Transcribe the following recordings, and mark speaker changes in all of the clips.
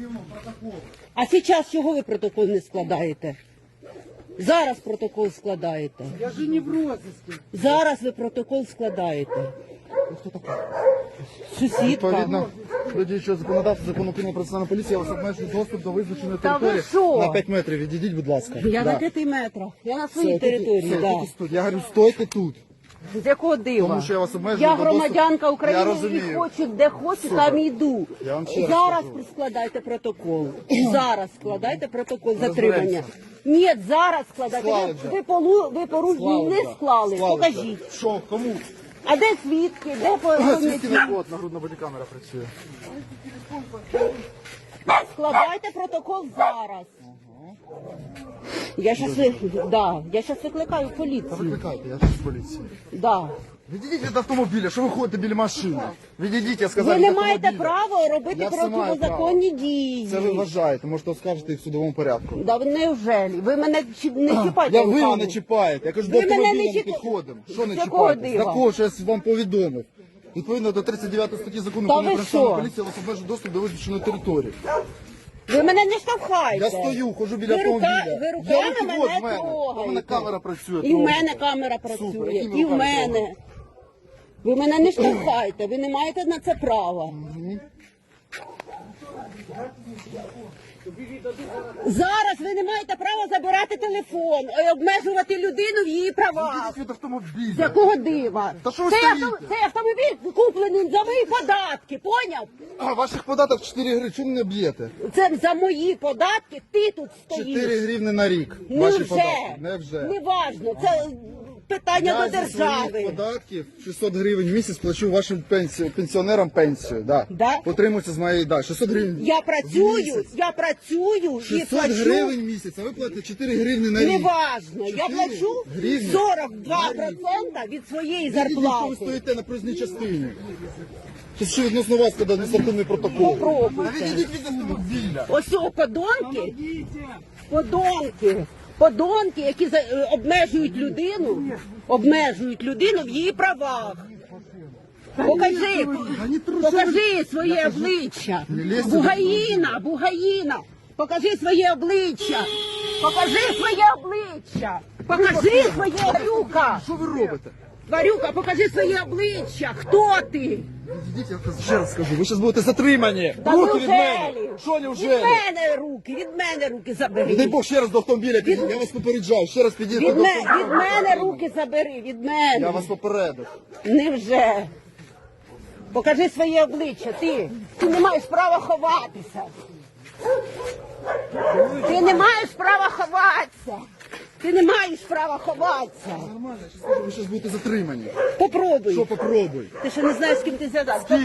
Speaker 1: А зараз чого ви протокол не складаєте? Зараз протокол складаєте.
Speaker 2: Я же не в розыске.
Speaker 1: Зараз ви протокол складаєте.
Speaker 2: Хто така?
Speaker 1: Сусідка.
Speaker 2: Відповідно, до діючого законодавства, закону України про національну поліцію, я вас обмежую доступ до визначеної
Speaker 1: Та ви
Speaker 2: території
Speaker 1: що?
Speaker 2: на 5 метрів. Відійдіть, будь ласка.
Speaker 1: Я
Speaker 2: Да.
Speaker 1: на 5 метрах. Я на своїй
Speaker 2: Все,
Speaker 1: території,
Speaker 2: все,
Speaker 1: да.
Speaker 2: тільки тут. Я говорю, стойте тут.
Speaker 1: З якого дива?
Speaker 2: Тому що я вас обмежую
Speaker 1: Я
Speaker 2: до доступу.
Speaker 1: громадянка
Speaker 2: Я
Speaker 1: України і
Speaker 2: розумію.
Speaker 1: хочу, де хочу, там і йду.
Speaker 2: Я вам ще раз
Speaker 1: Зараз
Speaker 2: кажу.
Speaker 1: складайте протокол. Зараз складайте протокол затримання.
Speaker 2: Розберемося.
Speaker 1: Ні, зараз складайте.
Speaker 2: Склали
Speaker 1: Ви,
Speaker 2: вже.
Speaker 1: ви порушення не склали. Покажіть.
Speaker 2: Що, кому?
Speaker 1: А де свідки? Де
Speaker 2: Свідки
Speaker 1: поняття?
Speaker 2: не от, нагрудна бодікамера працює.
Speaker 1: Складайте протокол зараз. Я щас викликаю поліцію.
Speaker 2: Викликайте, я тут з поліції.
Speaker 1: Да.
Speaker 2: Відійдіть від автомобіля, що ви ходите біля машини? Відійдіть, я сказав,
Speaker 1: Ви
Speaker 2: від
Speaker 1: не маєте
Speaker 2: автомобіля.
Speaker 1: права робити
Speaker 2: Я все маю
Speaker 1: протизаконні дії.
Speaker 2: Це ви вважаєте, можете оскаржити і в судовому порядку.
Speaker 1: Да невжелі? Ви мене не чіпайте.
Speaker 2: Ви
Speaker 1: руками.
Speaker 2: мене чіпаєте, я кажу, до
Speaker 1: Ви мене
Speaker 2: автомобіля
Speaker 1: не
Speaker 2: не
Speaker 1: чіпаєте.
Speaker 2: підходимо. Що не
Speaker 1: З якого
Speaker 2: чіпаєте?
Speaker 1: дива?
Speaker 2: Такого, що я вам повідомив. Відповідно до 39 статті закону
Speaker 1: Та
Speaker 2: України
Speaker 1: ви
Speaker 2: про національну
Speaker 1: що?
Speaker 2: поліцію, я вас обмежу доступ до визначеної території.
Speaker 1: Ви мене не штовхайте.
Speaker 2: Я стою, ходжу біля
Speaker 1: ви
Speaker 2: автомобіля.
Speaker 1: ви
Speaker 2: Я
Speaker 1: руками
Speaker 2: руки
Speaker 1: мене
Speaker 2: от в мене.
Speaker 1: трогаєте.
Speaker 2: У мене камера працює.
Speaker 1: І в
Speaker 2: трохи.
Speaker 1: мене камера працює.
Speaker 2: Супер, якими
Speaker 1: І в
Speaker 2: руками
Speaker 1: мене.
Speaker 2: трогаєте?
Speaker 1: Ви мене не штовхайте, ви не маєте на це права. Зараз ви не маєте права забирати телефон і обмежувати людину в її правах.
Speaker 2: Відійдіть від автомобіля.
Speaker 1: З якого дива?
Speaker 2: Та що ви
Speaker 1: Цей
Speaker 2: стоїте?
Speaker 1: цей автомобіль куплений за мої податки, поняв?
Speaker 2: А, ваших податок 4 гривні, чому не б'єте?
Speaker 1: Це за мої податки ти тут стоїш.
Speaker 2: 4 гривні на рік. Ваші
Speaker 1: Невже?
Speaker 2: податки. Невже.
Speaker 1: Неважно, це питання
Speaker 2: Я
Speaker 1: до
Speaker 2: зі своїх
Speaker 1: держави.
Speaker 2: податків 600 гривень в місяць плачу вашим пенсіонерам пенсію. Да.
Speaker 1: Да?
Speaker 2: Отримується з моєї, 600 гривень
Speaker 1: Я
Speaker 2: в
Speaker 1: працюю
Speaker 2: місяць.
Speaker 1: і
Speaker 2: 600
Speaker 1: плачу.
Speaker 2: гривень в місяць, а ви платите 4 гривні на рік.
Speaker 1: Неважно, я
Speaker 2: 4
Speaker 1: плачу
Speaker 2: гривні
Speaker 1: 42% від своєї
Speaker 2: Відійдіть, що ви
Speaker 1: зарплати.
Speaker 2: стоїте на проїзній частині. Це що відносно вас, коли адміністративний протокол?
Speaker 1: Попробуйте.
Speaker 2: Та відійдіть від автомобіля.
Speaker 1: Ось о, подонки, які обмежують людину в її правах. Покажи своє обличчя. Бугаїна, покажи своє обличчя. Покажи своє Варюка.
Speaker 2: Що ви робите?
Speaker 1: Варюка, покажи своє обличчя. Хто ти?
Speaker 2: Відійдіть, я ще раз скажу, ви зараз будете затримані.
Speaker 1: Та
Speaker 2: Руки від мене.
Speaker 1: неужелі?
Speaker 2: Що
Speaker 1: Від
Speaker 2: неужели?
Speaker 1: мене руки
Speaker 2: Не дай
Speaker 1: забери.
Speaker 2: Бог ще раз до автомобіля підійдіть, я вас попереджаю, ще раз підійдіть
Speaker 1: Від
Speaker 2: до
Speaker 1: мене
Speaker 2: автомобіля.
Speaker 1: руки забери, від
Speaker 2: Я
Speaker 1: мене.
Speaker 2: вас попередив.
Speaker 1: Невже? Покажи своє обличчя, ти не маєш права ховатися. Ти не маєш права ховатися.
Speaker 2: Нормально, я скажу, ви зараз будете затримані.
Speaker 1: Попробуй.
Speaker 2: Що попробуй?
Speaker 1: Ти ще не знаєш, з ким ти зв'язався.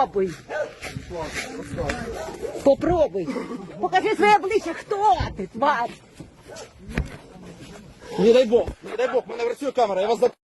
Speaker 1: Попробуй. Покажи своє обличчя, хто ти, тварь.
Speaker 2: Не дай Бог, мене працює камера, я вас